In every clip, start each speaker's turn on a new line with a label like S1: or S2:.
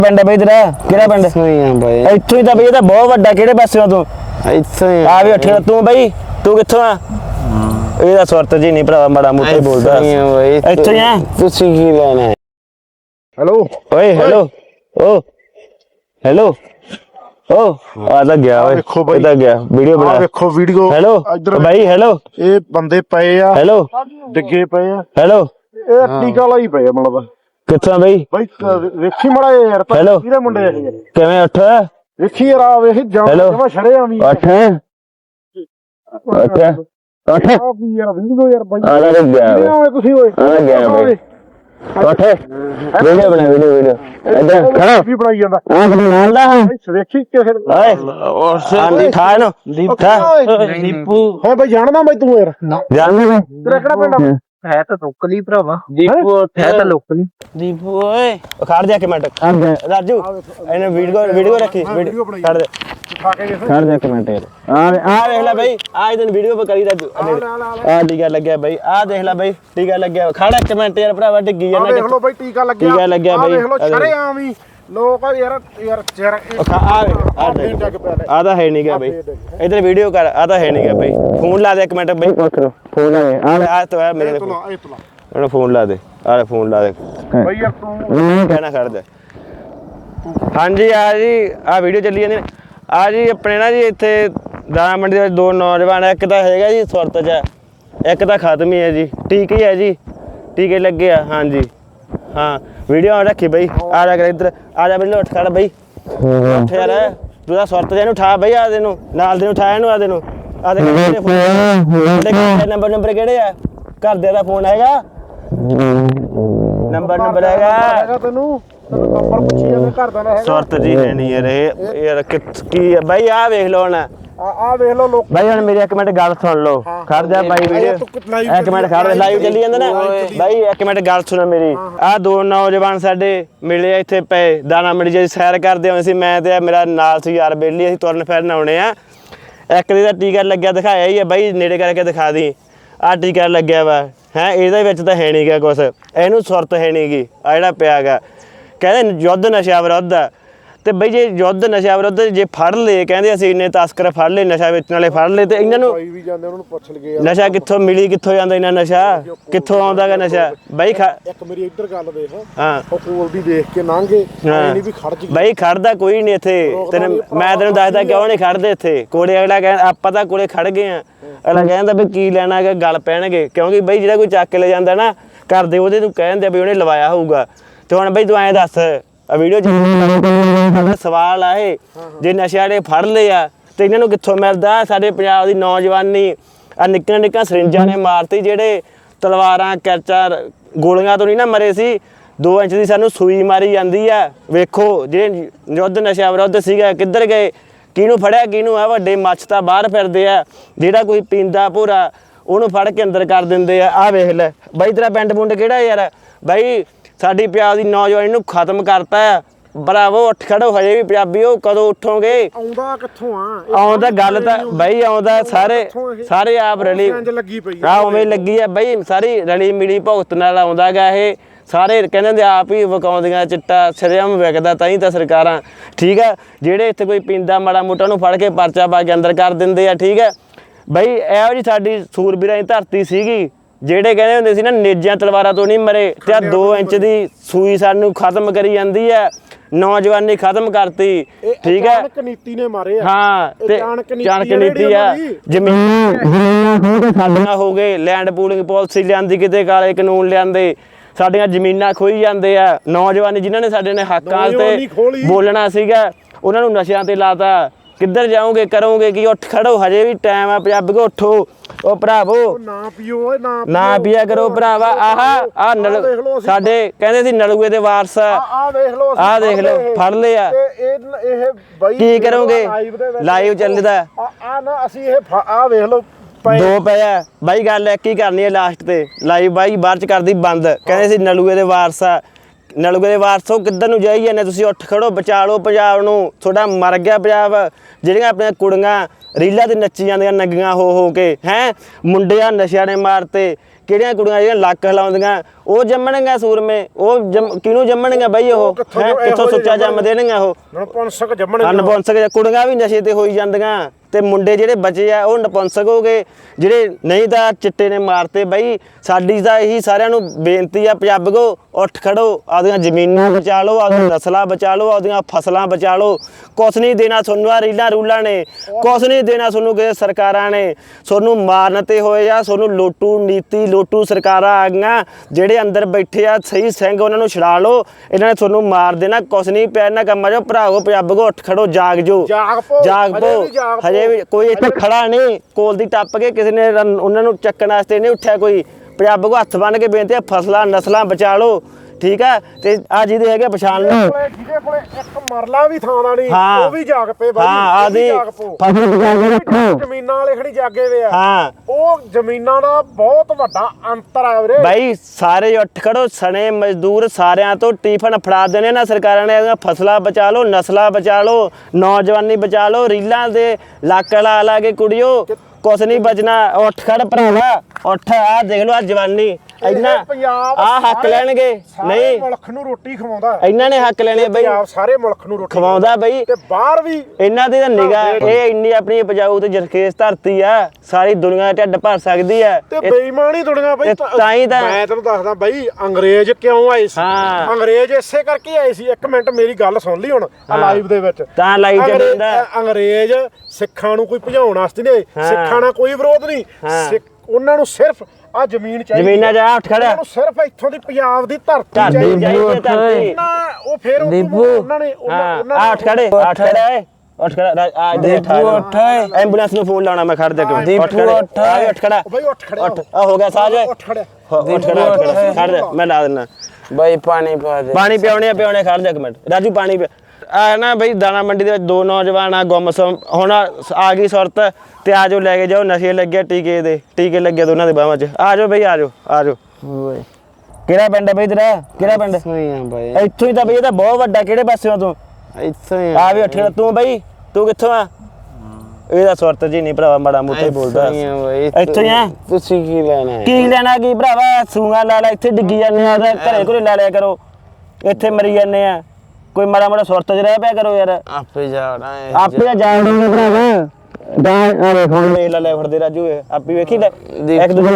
S1: ਪਿੰਡ ਹੈ ਬਈ ਤੇਰਾ? ਕਿਹੜਾ ਪਿੰਡ?
S2: ਇੱਥੋਂ ਹੀ ਆ ਬਾਈ।
S1: ਇੱਥੋਂ ਹੀ ਤਾਂ ਬਈ ਇਹ ਤਾਂ ਬਹੁਤ ਵੱਡਾ। ਕਿਹੜੇ ਪਾਸਿਓਂ ਤੂੰ?
S2: ਇੱਥੋਂ ਹੀ
S1: ਆ ਵੀ ਉੱਠ ਤੂੰ ਬਈ, ਤੂੰ ਕਿੱਥੋਂ ਆ? ਇਹਦਾ ਸੁਰਤ ਜੀ ਨਹੀਂ ਭਰਾ, ਮਾੜਾ ਮੋਟਾ ਹੀ ਬੋਲਦਾ। ਇੱਥੋਂ ਹੀ ਆ?
S2: ਤੁਸੀਂ ਕੀ ਲੈਣਾ ਹੈ?
S1: ਹੈਲੋ ਓਏ, ਹੈਲੋ ਓ ਹੈਲੋ ਓ ਆ ਤਾਂ ਗਿਆ ਓਏ,
S3: ਵੇਖੋ ਬਾਈ,
S1: ਇਹਦਾ ਗਿਆ ਵੀਡੀਓ ਬਣਾ।
S3: ਵੇਖੋ ਵੀਡੀਓ।
S1: ਹੈਲੋ
S3: ਇੱਧਰ
S1: ਬਾਈ, ਹੈਲੋ
S3: ਇਹ ਬੰਦੇ ਪਏ ਆ,
S1: ਹੈਲੋ
S3: ਡਿੱਗੇ ਪਏ ਆ।
S1: ਹੈਲੋ
S3: ਇਹ ਟੀਕਾ ਲਾਈ ਪਏ ਆ ਮਤਲਬ।
S1: ਕਿੱਥੋਂ ਬਈ?
S3: ਬਾਈ ਵੇਖੀ ਮੜਾ ਯਾਰ,
S1: ਹੈਲੋ।
S3: ਕਿਹਦੇ ਮੁੰਡੇ ਇਹ?
S1: ਕਿਵੇਂ ਉੱਠ?
S3: ਵੇਖੀ ਯਾਰ, ਆ ਵੇਖ ਜਮਾ ਛੜੇ ਆ ਵੀ।
S1: ਉੱਠ ਉੱਠ ਉੱਠ
S3: ਆ ਵੀ ਯਾਰ ਵੀਡੀਓ ਯਾਰ ਬਾਈ।
S1: ਆ ਤਾਂ ਗਿਆ ਓਏ,
S3: ਓਏ ਤੁਸੀਂ ਓਏ
S1: ਆ ਗਿਆ ਬਈ। ਉੱਠ ਵੀਡੀਓ ਬਣਾ, ਵੀਡੀਓ ਇੱਧਰ ਖੜਾ
S3: ਵੀ ਬਣਾਈ ਜਾਂਦਾ।
S1: ਆ ਬਣਾ ਨਾਲ ਦਾ
S3: ਵੇਖੀ ਕਿਸੇ
S1: ਓਏ ਆਂਦੀ ਠਾ ਇਹਨੂੰ ਠਾ
S2: ਦੀਪੂ
S3: ਹਾਂ ਬਾਈ, ਜਾਣਦਾ ਬਾਈ ਤੂੰ ਯਾਰ?
S1: ਜਾਣਦੇ ਮੈਂ
S3: ਤੇਰਾ ਕਿਹੜਾ ਪਿੰਡ ਆ?
S2: ਹੈ ਤਾਂ ਲੋਕਲੀ ਭਰਾਵਾ। ਦੀਪੂ ਹੈ ਤਾਂ ਲੋਕਲੀ। ਦੀਪੂ ਓਏ
S1: ਖੜ ਜਾ ਕੇ ਮਿੰਟ, ਰਾਜੂ ਇਹਨੇ ਵੀਡੀਓ ਰੱਖੀ,
S3: ਵੀਡੀਓ ਬਣਾਈ
S1: ਖੜ ਦੇ
S3: ਖਾ ਕੇ ਵੇਖ।
S1: ਖੜ ਜਾ ਕੇ ਮਿੰਟ ਯਾਰ। ਆ ਵੇਖ ਲੈ ਬਈ, ਆ ਇਹਨੂੰ ਵੀਡੀਓ ਪਰ ਕਰੀ ਰਾਜੂ। ਆ ਟੀਕਾ ਲੱਗਿਆ ਬਈ, ਆ ਦੇਖ ਲੈ ਬਈ, ਟੀਕਾ ਲੱਗਿਆ। ਖੜ ਇੱਕ ਮਿੰਟ ਯਾਰ ਭਰਾਵਾ, ਡਿੱਗੀ
S3: ਆ
S1: ਜਾਂਦਾ।
S3: ਵੇਖ ਲੋ ਬਾਈ, ਟੀਕਾ ਲੱਗਿਆ।
S1: ਟੀਕਾ ਲੱਗਿਆ ਬਾਈ।
S3: ਵੇਖ ਲੋ ਛੜੇ ਆ ਵੀ ਲੋਕ ਯਾਰ ਯਾਰ ਚਿਹਰਾ
S1: ਆ ਤਾਂ ਹੈ ਨਹੀਂ ਗਿਆ ਬਈ, ਇਧਰ ਵੀਡੀਓ ਕਰ। ਆ ਤਾਂ ਹੈ ਨਹੀਂ ਗਿਆ ਬਈ, ਫੋਨ ਲਾ ਦੇ ਇੱਕ ਮਿੰਟ ਬਈ। ਫੋਨ ਲਾ ਦੇ, ਆ ਤਾਂ ਮੇਰੇ ਕੋਲ ਫੋਨ ਲਾ ਦੇ। ਆ ਫੋਨ ਲਾ ਦੇ
S3: ਬਈ ਯਾਰ, ਤੂੰ
S1: ਕਹਿਣਾ ਖੜ ਦੇ। ਹਾਂਜੀ ਆ ਜੀ, ਆ ਵੀਡੀਓ ਚੱਲੀ ਜਾਂਦੀ। ਆ ਜੀ ਆਪਣੇ ਨਾ ਜੀ ਇੱਥੇ ਦਾਣਾ ਮੰਡੀ ਦੇ ਵਿੱਚ ਦੋ ਨੌਜਵਾਨ, ਇੱਕ ਤਾਂ ਹੈਗਾ ਜੀ ਸੁਰਤ 'ਚ, ਇੱਕ ਤਾਂ ਖਤਮ ਹੀ ਹੈ ਜੀ। ਟੀਕੇ ਹੈ ਜੀ, ਟੀਕੇ ਲੱਗੇ ਆ। ਹਾਂਜੀ ਹਾਂ, ਵੀਡੀਓ ਰੱਖੀ ਬਈ। ਆ ਜਾ ਕਰ ਇੱਧਰ, ਆ ਜਾ ਬਈ, ਉੱਠ ਖੜ ਬਈ, ਉੱਠ ਯਾਰ। ਤੂੰ ਤਾਂ ਸੁਰਤ ਜਿਹਨੂੰ ਠਾ ਬਈ, ਆ ਦੇ ਨੂੰ ਨਾਲ ਦੇ ਨੂੰ ਠਾ, ਇਹਨੂੰ ਆ ਦੇ ਨੂੰ। ਆ ਦੇ ਨੰਬਰ ਕਿਹੜੇ ਆ? ਘਰਦਿਆਂ ਦਾ ਫੋਨ ਹੈਗਾ? ਨੰਬਰ ਹੈਗਾ
S3: ਤੈਨੂੰ ਨੰਬਰ ਪੁੱਛੀ ਜਾਂਦੇ ਘਰ ਦਾ ਹੈਗਾ?
S1: ਸੁਰਤ ਜੀ ਹੈ ਨਹੀਂ ਯਾਰ ਇਹ ਯਾਰ ਕੀ ਹੈ ਬਈ? ਆ ਵੇਖ ਲਓ ਹੁਣ,
S3: ਆ ਵੇਖ ਲੋ ਲੋਕ
S1: ਬਾਈ। ਹੁਣ ਮੇਰੀ ਇੱਕ ਮਿੰਟ ਗੱਲ ਸੁਣ ਲਓ। ਖੜ ਜਾ ਬਾਈ, ਵੀਡੀਓ ਇੱਕ ਮਿੰਟ ਖੜ, ਲਾਈਵ ਚੱਲੀ ਜਾਂਦਾ ਨਾ ਬਾਈ। ਇੱਕ ਮਿੰਟ ਗੱਲ ਸੁਣੋ ਮੇਰੀ। ਆਹ ਦੋ ਨੌਜਵਾਨ ਸਾਡੇ ਮਿਲੇ ਇੱਥੇ ਪਏ ਦਾਣਾ ਮੰਡੀ ਜੀ, ਸੈਰ ਕਰਦੇ ਹੋਏ ਸੀ। ਮੈਂ ਤੇ ਮੇਰਾ ਨਾਲ ਸੀ ਯਾਰ ਬੇਲੀ, ਅਸੀਂ ਤੁਰਨ ਫਿਰਨ ਆਉਣੇ ਆ। ਇੱਕ ਦੀ ਤਾਂ ਟੀਕਾ ਲੱਗਿਆ, ਦਿਖਾਇਆ ਹੀ ਹੈ ਬਾਈ, ਨੇੜੇ ਕਰਕੇ ਦਿਖਾ ਦੀ। ਆਹ ਟੀਕਾ ਲੱਗਿਆ ਵਾ ਹੈ, ਇਹਦੇ ਵਿੱਚ ਤਾਂ ਹੈ ਨਹੀਂ ਗਾ ਕੁਛ, ਇਹਨੂੰ ਸੁਰਤ ਹੈ ਨਹੀਂ ਗੀ। ਆ ਜਿਹੜਾ ਪਿਆ ਗਾ, ਕਹਿੰਦੇ ਯੁੱਧ ਨਸ਼ਾ ਵਿਰੁੱਧ ਆ। ਤੇ ਬਈ ਜੇ ਯੁੱਧ ਨਸ਼ਾ ਵਿਰੁੱਧ ਜੇ ਫੜ ਲਏ, ਕਹਿੰਦੇ ਅਸੀਂ ਇੰਨੇ ਤਸਕਰ ਫੜ ਲਏ, ਨਸ਼ਾ ਵੇਚਣ ਵਾਲੇ ਫੜ ਲਏ, ਤੇ ਇਹਨਾਂ ਨੂੰ
S3: ਵੀ ਜਾਂਦੇ, ਉਹਨਾਂ ਨੂੰ ਪੁੱਛ ਲਗੇ
S1: ਨਸ਼ਾ ਕਿੱਥੋਂ ਮਿਲੀ, ਕਿੱਥੋਂ ਜਾਂਦਾ ਇਹਨਾਂ ਨਸ਼ਾ, ਕਿੱਥੋਂ ਆਉਂਦਾ ਗਾ ਨਸ਼ਾ ਬਈ?
S3: ਇੱਕ ਮੇਰੀ ਇੱਧਰ ਗੱਲ ਦੇਖ,
S1: ਹਾਂ
S3: ਉਹ ਕੋਲ ਦੀ ਦੇਖ ਕੇ ਲੰਘੇ, ਨਹੀਂ ਵੀ ਖੜ ਜੀ
S1: ਬਈ। ਖੜਦਾ ਕੋਈ ਨਹੀਂ ਇੱਥੇ, ਮੈਂ ਤੈਨੂੰ ਦੱਸਦਾ ਕਿਉਂ ਨਹੀਂ ਖੜਦੇ ਇੱਥੇ। ਕੋਲੇ ਅਗਲਾ ਕਹਿੰਦਾ ਆਪਾਂ ਤਾਂ ਕੋਲੇ ਖੜ ਗਏ ਆ, ਅਗਲਾ ਕਹਿੰਦਾ ਵੀ ਕੀ ਲੈਣਾ ਹੈਗਾ, ਗੱਲ ਪੈਣਗੇ। ਕਿਉਂਕਿ ਬਈ ਜਿਹੜਾ ਕੋਈ ਚੱਕ ਕੇ ਲੈ ਜਾਂਦਾ ਨਾ, ਕਰਦੇ ਉਹਦੇ ਨੂੰ ਕਹਿੰਦੇ ਵੀ ਉਹਨੇ ਲਵਾਇਆ ਹੋਊਗਾ। ਤੇ ਹੁਣ ਬਈ ਤੂੰ ਐਂ ਦੱਸ, ਵੀਡੀਓ ਚ ਸਵਾਲ ਆ ਇਹ, ਜੇ ਨਸ਼ੇ ਵਾਲੇ ਫੜ ਲਏ ਆ ਤੇ ਇਹਨਾਂ ਨੂੰ ਕਿੱਥੋਂ ਮਿਲਦਾ? ਸਾਡੇ ਪੰਜਾਬ ਦੀ ਨੌਜਵਾਨੀ ਆ ਨਿੱਕੀਆਂ ਨਿੱਕੀਆਂ ਸਰਿੰਜਾਂ ਨੇ ਮਾਰਤੀ, ਜਿਹੜੇ ਤਲਵਾਰਾਂ ਕੈਚਾਂ ਗੋਲੀਆਂ ਤੋਂ ਨਹੀਂ ਨਾ ਮਰੇ ਸੀ। 2 ਇੰਚ ਦੀ ਸਾਨੂੰ ਸੂਈ ਮਾਰੀ ਜਾਂਦੀ ਆ। ਵੇਖੋ ਜਿਹੜੇ ਯੁੱਧ ਨਸ਼ਾ ਵਿਰੁੱਧ ਸੀਗਾ, ਕਿੱਧਰ ਗਏ? ਕਿਹਨੂੰ ਫੜਿਆ, ਕਿਹਨੂੰ ਆ? ਵੱਡੇ ਮੱਛ ਤਾਂ ਬਾਹਰ ਫਿਰਦੇ ਆ। ਜਿਹੜਾ ਕੋਈ ਪੀਂਦਾ ਭੋਰਾ ਉਹਨੂੰ ਫੜ ਕੇ ਅੰਦਰ ਕਰ ਦਿੰਦੇ ਆ। ਆਹ ਵੇਖ ਲੈ ਬਾਈ, ਤੇਰਾ ਪਿੰਡ ਪੁੰਡ ਕਿਹੜਾ ਯਾਰ? ਬਾਈ ਸਾਡੀ ਪੰਜਾਬ ਦੀ ਨੌਜਵਾਨੀ ਨੂੰ ਖਤਮ ਕਰਤਾ ਆ। ਬਰਾਵੋ, ਉੱਠ ਖੜੋ, ਹਜੇ ਵੀ ਪੰਜਾਬੀਓ, ਕਦੋਂ ਉੱਠੋਗੇ?
S3: ਆਉਂਦਾ ਕਿੱਥੋਂ ਆ?
S1: ਆਉਂਦਾ ਗੱਲ ਤਾਂ ਬਾਈ, ਆਉਂਦਾ ਸਾਰੇ ਆਪ ਰਲੀ
S3: ਲੱਗੀ ਪਈ
S1: ਆ, ਉਵੇਂ ਲੱਗੀ ਆ ਬਾਈ, ਸਾਰੀ ਰਲੀ ਮਿਲੀ ਭੁਗਤ ਨਾਲ ਆਉਂਦਾ ਗਾ ਇਹ। ਸਾਰੇ ਕਹਿੰਦੇ ਹੁੰਦੇ ਆਪ ਹੀ ਵਿਕਾਉਂਦੀਆਂ ਚਿੱਟਾ, ਸਿਰਿਆਮ ਵਿਕਦਾ, ਤਾਂ ਹੀ ਤਾਂ ਸਰਕਾਰਾਂ ਠੀਕ ਆ। ਜਿਹੜੇ ਇੱਥੇ ਕੋਈ ਪੀਂਦਾ ਮਾੜਾ ਮੋਟਾ ਨੂੰ ਫੜ ਕੇ ਪਰਚਾ ਪਾ ਕੇ ਅੰਦਰ ਕਰ ਦਿੰਦੇ ਆ। ਠੀਕ ਆ ਬਈ, ਇਹੋ ਜਿਹੀ ਸਾਡੀ ਸੂਰਬੀਰਾਂ ਦੀ ਧਰਤੀ ਸੀਗੀ, ਜਿਹੜੇ ਕਹਿੰਦੇ ਹੁੰਦੇ ਸੀ ਨਾ ਨੇਜਾਂ ਤਲਵਾਰਾਂ ਤੋਂ ਨਹੀਂ ਮਰੇ। ਤੇ ਆ 2 ਇੰਚ ਦੀ ਸੂਈ ਸਾਨੂੰ ਖਤਮ ਕਰੀ ਜਾਂਦੀ ਆ, ਨੌਜਵਾਨੀ ਖਤਮ ਕਰਤੀ। ਠੀਕ ਹੈ,
S3: ਨੀਤੀ ਨੇ ਮਾਰੇ ਆ।
S1: ਹਾਂ ਤੇ ਚਾਣਕ ਨੀਤੀ ਆ। ਜ਼ਮੀਨਾਂ ਸਾਡੀਆਂ ਹੋ ਗਏ, ਲੈਂਡ ਪੂਲਿੰਗ ਪਾਲਿਸੀ ਲਿਆਂਦੀ, ਕਿਤੇ ਕਾਲੇ ਕਾਨੂੰਨ ਲਿਆਂਦੇ, ਸਾਡੀਆਂ ਜ਼ਮੀਨਾਂ ਖੋਈ ਜਾਂਦੇ ਆ। ਨੌਜਵਾਨੀ ਜਿਨ੍ਹਾਂ ਨੇ ਸਾਡੇ ਨੇ ਹੱਕਾਂ ਤੇ ਬੋਲਣਾ ਸੀਗਾ, ਉਹਨਾਂ ਨੂੰ ਨਸ਼ਿਆਂ ਤੇ ਲਾਤਾ। ਕਿੱਧਰ ਜਾਓਗੇ, ਕਰੋਗੇ ਕੀ? ਉੱਠ ਖੜੋ, ਹਜੇ ਵੀ ਟਾਈਮ ਆ ਪੰਜਾਬੀ ਕੋ, ਉੱਠੋ। ਉਹ ਭਰਾਵੋ
S3: ਨਾ ਪੀਓ,
S1: ਨਾ ਪੀਆ ਕਰੋ ਭਰਾਵਾ। ਆਹ ਸਾਡੇ ਕਹਿੰਦੇ ਸੀ ਨਲੂਏ ਦੇ ਵਾਰਸ।
S3: ਆਹ ਦੇਖ ਲਓ,
S1: ਫੜ ਲਏ ਆ।
S3: ਇਹ ਬਾਈ
S1: ਕੀ ਕਰੋਗੇ? ਲਾਈਵ ਚੱਲਦਾ
S3: ਆ ਨਾ, ਅਸੀਂ ਇਹ ਆਹ ਵੇਖ ਲਓ
S1: ਦੋ ਪਏ ਆ ਬਾਈ। ਗੱਲ ਇੱਕ ਹੀ ਕਰਨੀ ਹੈ ਲਾਸਟ ਤੇ, ਲਾਈਵ ਬਾਈ ਬਾਅਦ ਚ ਕਰਦੀ ਬੰਦ। ਕਹਿੰਦੇ ਸੀ ਨਲੂਏ ਦੇ ਵਾਰਸ ਆ, ਨਲੂਏ ਦੇ ਵਾਰਸੋ ਕਿੱਧਰ ਨੂੰ ਜਾਈ ਜਾਂਦੇ ਤੁਸੀਂ? ਉੱਠ ਖੜੋ, ਬਚਾ ਲਓ ਪੰਜਾਬ ਨੂੰ, ਤੁਹਾਡਾ ਮਰ ਗਿਆ ਪੰਜਾਬ। ਜਿਹੜੀਆਂ ਆਪਣੀਆਂ ਕੁੜੀਆਂ ਰੀਲਾਂ ਤੇ ਨੱਚੀ ਜਾਂਦੀਆਂ ਨੰਗੀਆਂ ਹੋ ਕੇ, ਹੈ ਮੁੰਡਿਆਂ ਨਸ਼ਿਆਂ ਨੇ ਮਾਰਤੇ। ਕਿਹੜੀਆਂ ਕੁੜੀਆਂ ਜਿਹੜੀਆਂ ਲੱਕ ਹਿਲਾਉਂਦੀਆਂ ਉਹ ਜੰਮਣਗੀਆਂ ਸੂਰਮੇ, ਉਹ ਕਿਹਨੂੰ ਜੰਮਣਗੀਆਂ ਬਈ ਉਹ ਕਿੱਥੋਂ ਸੁੱਚਾ ਜੰਮ ਦੇਣਗੀਆਂ ਉਹ
S3: ਨਪੁੰਸਕ ਜੰਮਣ
S1: ਨਪੁੰਸਕ। ਕੁੜੀਆਂ ਵੀ ਨਸ਼ੇ ਤੇ ਹੋਈ ਜਾਂਦੀਆਂ ਤੇ ਮੁੰਡੇ ਜਿਹੜੇ ਬਚੇ ਆ ਉਹ ਨਪੁੰਸਕ ਹੋ ਗਏ, ਜਿਹੜੇ ਨਹੀਂ ਤਾਂ ਚਿੱਟੇ ਨੇ ਮਾਰਤੇ। ਬਈ ਸਾਡੀ ਤਾਂ ਇਹੀ ਸਾਰਿਆਂ ਨੂੰ ਬੇਨਤੀ ਆ, ਪੰਜਾਬੀਓ ਉੱਠ ਖੜੋ, ਆਪਦੀਆਂ ਜ਼ਮੀਨਾਂ ਬਚਾ ਲਓ, ਆਪਦੀਆਂ ਨਸਲਾਂ ਬਚਾ ਲਓ, ਆਪਦੀਆਂ ਫਸਲਾਂ ਬਚਾ ਲਓ। ਕੁਛ ਨਹੀਂ ਦੇਣਾ ਤੁਹਾਨੂੰ ਆ ਰੀਲਾਂ ਰੂਲਾਂ ਨੇ, ਕੁਛ ਨਹੀਂ ਦੇਣਾ ਤੁਹਾਨੂੰ ਕਿਸੇ ਸਰਕਾਰਾਂ ਨੇ। ਤੁਹਾਨੂੰ ਮਾਰਨ ਤੇ ਹੋਏ ਆ, ਤੁਹਾਨੂੰ ਲੋਟੂ ਨੀਤੀ ਲੋਟੂ ਸਰਕਾਰਾਂ ਆ ਗਈਆਂ। ਜਿਹੜੇ ਅੰਦਰ ਬੈਠੇ ਆ ਸਹੀ ਸਿੰਘ ਉਹਨਾਂ ਨੂੰ ਛੁਡਾ ਲਓ, ਇਹਨਾਂ ਨੇ ਤੁਹਾਨੂੰ ਮਾਰ ਦੇਣਾ। ਕੁਛ ਨਹੀਂ ਪਿਆ ਇਹਨਾਂ ਕੰਮਾਂ 'ਚੋਂ। ਭਰਾਵੋ ਪੰਜਾਬੀਓ ਉੱਠ ਖੜੋ, ਜਾਗ ਜੋ, ਜਾਗ ਪੋ। ਹਜੇ ਵੀ ਕੋਈ ਇੱਥੇ ਖੜਾ ਨਹੀਂ ਕੋਲ ਦੀ ਟੱਪ ਕੇ ਕਿਸੇ ਨੇ ਉਹਨਾਂ ਨੂੰ ਚੱਕਣ ਵਾਸਤੇ ਨਹੀਂ ਉੱਠਿਆ ਕੋਈ। ਪੰਜਾਬੀਓ ਹੱਥ ਬੰਨ ਕੇ ਬੇਨਤੀ ਆ, ਫਸਲਾਂ ਨਸਲਾਂ ਬਚਾ ਲਓ, ਠੀਕ ਆ। ਤੇ ਆ ਜਿਹਦੇ ਹੈਗੇ ਪਛਾਣ ਲਓ,
S3: ਜਿਹਦੇ ਕੋਲੇ ਇੱਕ ਮਰਲਾ ਵੀ ਥਾਂ ਦਾ ਨਹੀਂ
S1: ਹਾਂ।
S3: ਉਹ ਵੀ ਜਾਗ ਪਏ ਬਾਈ।
S1: ਹਾਂ ਆਦੀ
S2: ਫਸਲ ਬਚਾ ਕੇ ਰੱਖੋ।
S3: ਜ਼ਮੀਨਾਂ ਵਾਲੇ ਖੜੀ ਜਾਗੇ ਵੇ ਆ।
S1: ਹਾਂ
S3: ਉਹ ਜ਼ਮੀਨਾਂ ਦਾ ਬਹੁਤ ਵੱਡਾ ਅੰਤਰ ਆ ਵੀਰੇ।
S1: ਬਾਈ ਸਾਰੇ ਉੱਠ ਖੜੋ, ਸਣੇ ਮਜ਼ਦੂਰ ਸਾਰਿਆਂ ਤੋਂ ਟਿਫਨ ਫੜਾ ਦੇਣੇ ਨਾ ਸਰਕਾਰਾਂ ਨੇ। ਫਸਲਾਂ ਬਚਾ ਲਓ, ਨਸਲਾਂ ਬਚਾ ਲਓ, ਨੌਜਵਾਨੀ ਬਚਾ ਲਓ। ਰੀਲਾਂ ਦੇ ਲੱਕ ਲਾ ਕੇ ਕੁੜੀਓ ਕੁਛ ਨਹੀਂ ਬਚਣਾ। ਉੱਠ ਖੜ ਭਰਾਵਾ, ਉੱਠ। ਆ ਦੇਖ ਲਓ ਆ ਜਵਾਨੀ, ਇੰਨਾ ਆ ਹੱਕ ਲੈਣਗੇ ਨਹੀਂ।
S3: ਮੁਲਕ ਨੂੰ ਰੋਟੀ ਖਵਾਉਂਦਾ
S1: ਇਹਨਾਂ ਨੇ ਹੱਕ ਲੈਣੇ ਬਈ,
S3: ਪੰਜਾਬ ਸਾਰੇ ਮੁਲਕ ਨੂੰ ਰੋਟੀ
S1: ਖਵਾਉਂਦਾ ਬਈ।
S3: ਤੇ ਬਾਹਰ ਵੀ
S1: ਇਹਨਾਂ ਦੀ ਤਾਂ ਨਿਗਾਹ, ਇਹ ਇੰਨੀ ਆਪਣੀ ਉਪਜਾਊ ਤੇ ਜਰਖੇਜ਼ ਧਰਤੀ ਆ, ਸਾਰੀ ਦੁਨੀਆ ਢਿੱਡ ਭਰ ਸਕਦੀ ਆ।
S3: ਤੇ ਬੇਈਮਾਨੀ ਦੁਨੀਆ ਬਈ।
S1: ਤਾਂ ਹੀ ਤਾਂ
S3: ਮੈਂ ਤੈਨੂੰ ਦੱਸਦਾ ਬਈ, ਅੰਗਰੇਜ਼ ਕਿਉਂ ਆਏ ਸੀ?
S1: ਹਾਂ।
S3: ਅੰਗਰੇਜ਼ ਇਸੇ ਕਰਕੇ ਆਏ ਸੀ। ਇੱਕ ਮਿੰਟ ਮੇਰੀ ਗੱਲ ਸੁਣ ਲਈ ਹੁਣ ਲਾਈਵ ਦੇ ਵਿੱਚ।
S1: ਤਾਂ ਲਾਈਵ ਚੱਲਦਾ।
S3: ਅੰਗਰੇਜ਼ ਸਿੱਖਾਂ ਨੂੰ ਕੋਈ ਭਜਾਉਣ ਵਾਸਤੇ ਨਹੀਂ, ਸਿੱਖਾਂ ਨਾਲ ਕੋਈ ਵਿਰੋਧ ਨਹੀਂ। ਉਹਨਾਂ ਨੂੰ ਸਿਰਫ ਆ ਜ਼ਮੀਨ ਚਾਹੀਦੀ,
S1: ਜ਼ਮੀਨਾਂ ਜਾ ਉੱਠ ਖੜਾ,
S3: ਉਹਨੂੰ ਸਿਰਫ ਇੱਥੋਂ ਦੀ ਪੰਜਾਬ ਦੀ ਧਰਤੀ
S1: ਚਾਹੀਦੀ ਹੈ ਧਰਤੀ।
S3: ਉਹ ਫਿਰ ਉਹਨਾਂ ਨੇ
S1: ਆ ਉੱਠ ਖੜੇ, ਉੱਠ ਖੜਾ ਏ, ਉੱਠ ਖੜਾ। ਆ ਉੱਠ, ਐਂਬੂਲੈਂਸ ਨੂੰ ਫੋਨ ਲਾਉਣਾ ਮੈਂ, ਖੜ ਜਾ ਕੇ। ਉੱਠ ਖੜਾ, ਉੱਠ ਖੜਾ
S3: ਬਈ, ਉੱਠ ਖੜਾ।
S1: ਆ ਹੋ ਗਿਆ ਸਾਜ,
S3: ਉੱਠ ਖੜਾ,
S1: ਉੱਠ ਖੜਾ, ਖੜ ਜਾ ਮੈਂ ਲਾ ਦਿੰਦਾ।
S2: ਬਾਈ ਪਾਣੀ ਪਾ ਦੇ।
S1: ਪਾਣੀ ਪਿਆਉਣੇ, ਖੜ ਜਾ ਇੱਕ ਮਿੰਟ ਰਾਜੂ, ਪਾਣੀ ਪਿਆ। ਆ ਨਾ ਬਈ ਦਾਣਾ ਮੰਡੀ ਦੇ ਵਿੱਚ ਦੋ ਨੌਜਵਾਨ ਆ ਗੁੰਮਸਮ। ਹੁਣ ਆ ਗਈ ਸੁਰਤ ਤੇ ਆ ਜਾਓ, ਲੈ ਕੇ ਜਾਓ। ਨਸ਼ੇ ਲੱਗੇ, ਟੀਕੇ ਲੱਗੇ ਦੋਨਾਂ ਦੇ ਬਾਹਾਂ 'ਚ। ਆ ਜਾਓ ਬਈ, ਆ ਜਾਓ। ਕਿਹੜਾ ਪਿੰਡ ਹੈ ਬਈ ਤੇਰਾ? ਕਿਹੜਾ ਪਿੰਡ? ਇੱਥੋਂ ਹੀ ਤਾਂ ਬਈ। ਇਹ ਤਾਂ ਬਹੁਤ ਵੱਡਾ। ਕਿਹੜੇ ਪਾਸਿਓਂ ਤੂੰ?
S2: ਇੱਥੋਂ ਹੀ
S1: ਆ ਵੀ ਉੱਠ ਖੜਾ। ਤੂੰ ਬਈ, ਤੂੰ ਕਿੱਥੋਂ ਆ? ਇਹਦਾ ਸੁਰਤ ਜੀ ਨਹੀਂ ਭਰਾਵਾ, ਮਾੜਾ ਮੋਟਾ ਹੀ ਬੋਲਦਾ। ਇੱਥੋਂ ਹੀ ਆ।
S2: ਤੁਸੀਂ ਕੀ ਲੈਣਾ ਹੈ?
S1: ਕੀ ਲੈਣਾ ਕੀ ਭਰਾਵਾ? ਸੂਆਂ ਲਾ ਇੱਥੇ ਡਿੱਗੀ ਜਾਂਦੇ ਆ, ਘਰੇ ਘਰੇ ਲਾ ਲਿਆ ਕਰੋ, ਇੱਥੇ ਮਰੀ ਜਾਂਦੇ ਆ। ਕੋਈ ਮਾੜਾ ਮੋਟਾ ਸੁਰਤ 'ਚ ਰਹਿ ਪਿਆ ਕਰੋ ਯਾਰ।
S2: ਆਪੇ ਜਾਣਾ ਹੈ,
S1: ਆਪੇ ਤਾਂ ਜਾਣਦੇ ਭਰਾਵਾ। ਹੁਣ ਵੇਖ ਲੈ ਫੜਦੇ ਰਾਜੂ, ਆਪੀ ਵੇਖੀ ਲੈ ਇੱਕ ਦੂਜੇ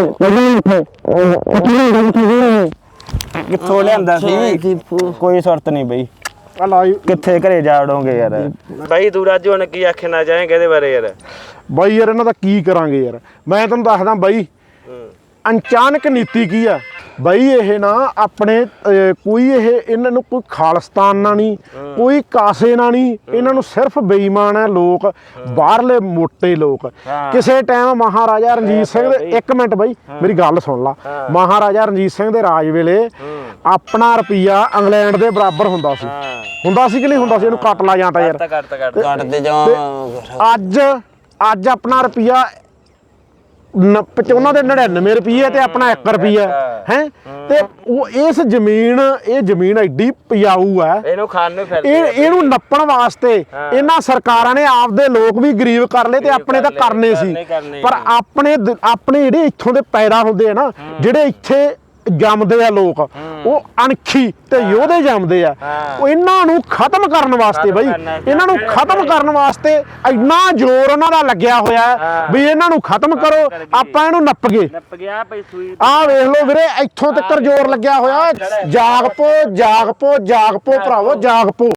S1: ਕਿੱਥੋਂ ਲਿਆਂਦਾ ਸੀ। ਕੋਈ ਸੁਰਤ ਨਹੀਂ ਬਈ,
S3: ਆ ਲਾਈਵ
S1: ਕਿੱਥੇ ਘਰੇ ਜਾ ਵੜੋਗੇ ਯਾਰ। ਬਾਈ ਤੂੰ ਰਾਜੂ ਹੁਣ ਕੀ ਆਖਣਾ ਚਾਹੇਂਗਾ ਇਹਦੇ ਬਾਰੇ ਯਾਰ?
S3: ਬਾਈ ਯਾਰ ਇਹਨਾਂ ਦਾ ਕੀ ਕਰਾਂਗੇ ਯਾਰ। ਮੈਂ ਤੈਨੂੰ ਦੱਸਦਾ ਬਾਈ, ਅਚਾਨਕ ਨੀਤੀ ਕੀ ਆ ਬਾਈ। ਇਹ ਨਾ ਆਪਣੇ ਕੋਈ ਇਹਨਾਂ ਨੂੰ ਕੋਈ ਖਾਲਿਸਤਾਨ ਨਾਲ ਨਹੀਂ, ਕੋਈ ਕਾਸੇ ਨਾਲ ਨਹੀਂ। ਇਹਨਾਂ ਨੂੰ ਸਿਰਫ ਬੇਈਮਾਨ ਹੈ ਲੋਕ, ਬਾਹਰਲੇ ਮੋਟੇ ਲੋਕ। ਕਿਸੇ ਟਾਈਮ ਮਹਾਰਾਜਾ ਰਣਜੀਤ ਸਿੰਘ ਦੇ, ਇੱਕ ਮਿੰਟ ਬਾਈ ਮੇਰੀ ਗੱਲ ਸੁਣ ਲਾ। ਮਹਾਰਾਜਾ ਰਣਜੀਤ ਸਿੰਘ ਦੇ ਰਾਜ ਵੇਲੇ ਆਪਣਾ ਰੁਪਈਆ ਇੰਗਲੈਂਡ ਦੇ ਬਰਾਬਰ ਹੁੰਦਾ ਸੀ ਕਿ ਨਹੀਂ ਹੁੰਦਾ ਸੀ? ਇਹਨੂੰ ਕੱਟ ਲਾ ਜਾਂਦਾ ਯਾਰ,
S2: ਕੱਟਦੇ ਜਾਵਾਂ।
S3: ਅੱਜ ਆਪਣਾ ਰੁਪਈਆ ਉਹਨਾਂ ਦੇ 99 ਰੁਪਏ ਤੇ ਆਪਣਾ 1 ਰੁਪਈਆ ਹੈ। ਤੇ ਉਹ ਇਹ ਜ਼ਮੀਨ ਐਡੀ ਪਿਆਊ ਹੈ,
S1: ਇਹਨੂੰ ਖਾਣ ਨੂੰ ਫਿਰਦੇ।
S3: ਇਹਨੂੰ ਨੱਪਣ ਵਾਸਤੇ ਇਹਨਾਂ ਸਰਕਾਰਾਂ ਨੇ ਆਪਦੇ ਲੋਕ ਵੀ ਗਰੀਬ ਕਰ ਲਏ ਤੇ ਆਪਣੇ ਤਾਂ ਕਰਨੇ ਸੀ। ਪਰ ਆਪਣੇ ਜਿਹੜੇ ਇੱਥੋਂ ਦੇ ਪੈਦਾ ਹੁੰਦੇ ਆ ਨਾ, ਜਿਹੜੇ ਇੱਥੇ ਜੰਮਦੇ ਆ ਲੋਕ, ਉਹ ਅਣਖੀ ਤੇ ਯੋਧੇ ਜੰਮਦੇ ਆ। ਉਹ ਇਹਨਾਂ ਨੂੰ ਖਤਮ ਕਰਨ ਵਾਸਤੇ ਬਈ, ਇਹਨਾਂ ਨੂੰ ਖਤਮ ਕਰਨ ਵਾਸਤੇ ਇੰਨਾ ਜ਼ੋਰ ਉਹਨਾਂ ਦਾ ਲੱਗਿਆ ਹੋਇਆ ਵੀ ਇਹਨਾਂ ਨੂੰ ਖਤਮ ਕਰੋ, ਆਪਾਂ ਇਹਨੂੰ ਨੱਪ ਗਏ। ਆਹ ਵੇਖ ਲਓ ਵੀਰੇ, ਇੱਥੋਂ ਤੱਕ ਜ਼ੋਰ ਲੱਗਿਆ ਹੋਇਆ। ਜਾਗ ਪੋ ਭਰਾਵੋ, ਜਾਗ ਪੋ।